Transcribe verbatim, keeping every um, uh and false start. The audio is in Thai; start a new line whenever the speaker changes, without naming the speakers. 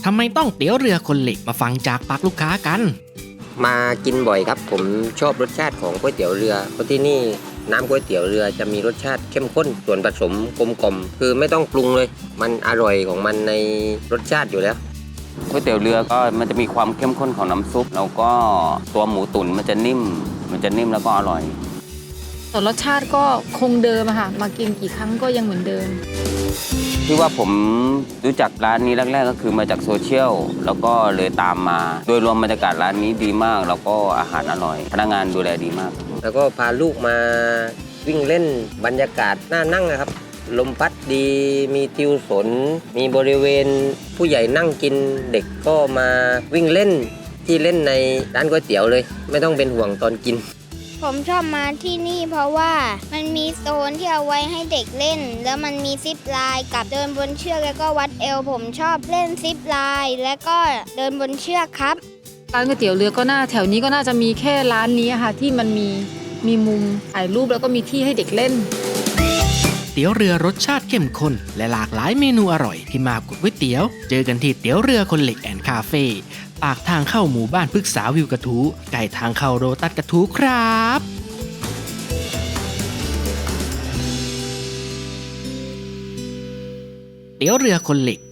ทำไมต้องเตี๋ยวเรือคนเหล็กมาฟังจากปากลูกค้ากัน
มากินบ่อยครับผมชอบรสชาติของก๋วยเตี๋ยวเรือเพราะที่นี่น้ำก๋วยเตี๋ยวเรือจะมีรสชาติเข้มข้นส่วนผสมกลมกล่อมคือไม่ต้องปรุงเลยมันอร่อยของมันในรสชาติอยู่แล้ว
ก๋วยเตี๋ยวเรือก็มันจะมีความเข้มข้นของน้ำซุปแล้วก็ตัวหมูตุ๋นมันจะนิ่มมันจะนิ่มแล้วก็อร่อย
ส่วนรสชาติก็คงเดิมอะค่ะมากินกี่ครั้งก็ยังเหมือนเดิม
ที่ว่าผมรู้จักร้านนี้แรกๆก็คือมาจากโซเชียลแล้วก็เลยตามมาโดยรวมบรรยากาศร้านนี้ดีมากแล้วก็อาหารอร่อยพนักงานดูแลดีมาก
แล้วก็พาลูกมาวิ่งเล่นบรรยากาศน่านั่งนะครับลมพัดดีมีทิวสนมีบริเวณผู้ใหญ่นั่งกินเด็กก็มาวิ่งเล่นที่เล่นในร้านก๋วยเตี๋ยวเลยไม่ต้องเป็นห่วงตอนกิน
ผมชอบมาที่นี่เพราะว่ามันมีโซนที่เอาไว้ให้เด็กเล่นแล้วมันมีซิปไลน์กับเดินบนเชือกแล้วก็วัดเอวผมชอบเล่นซิปไลน์และก็เดินบนเชือกครับ
ร้านก๋วยเตี๋ยวเรือก็น่าแถวนี้ก็น่าจะมีแค่ร้านนี้ค่ะที่มันมีมีมุมถ่ายรูปแล้วก็มีที่ให้เด็กเล่น
เตี๋ยวเรือรสชาติเข้มข้นและหลากหลายเมนูอร่อยที่มากับก๋วยเตี๋ยวเจอกันที่เตี๋ยวเรือคนเหล็กแอนด์คาเฟ่ปากทางเข้าหมู่บ้านพฤกษาวิวกระทู้ใกล้ทางเข้าโรตัสกระทู้ครับเตี๋ยวเรือคนเหล็ก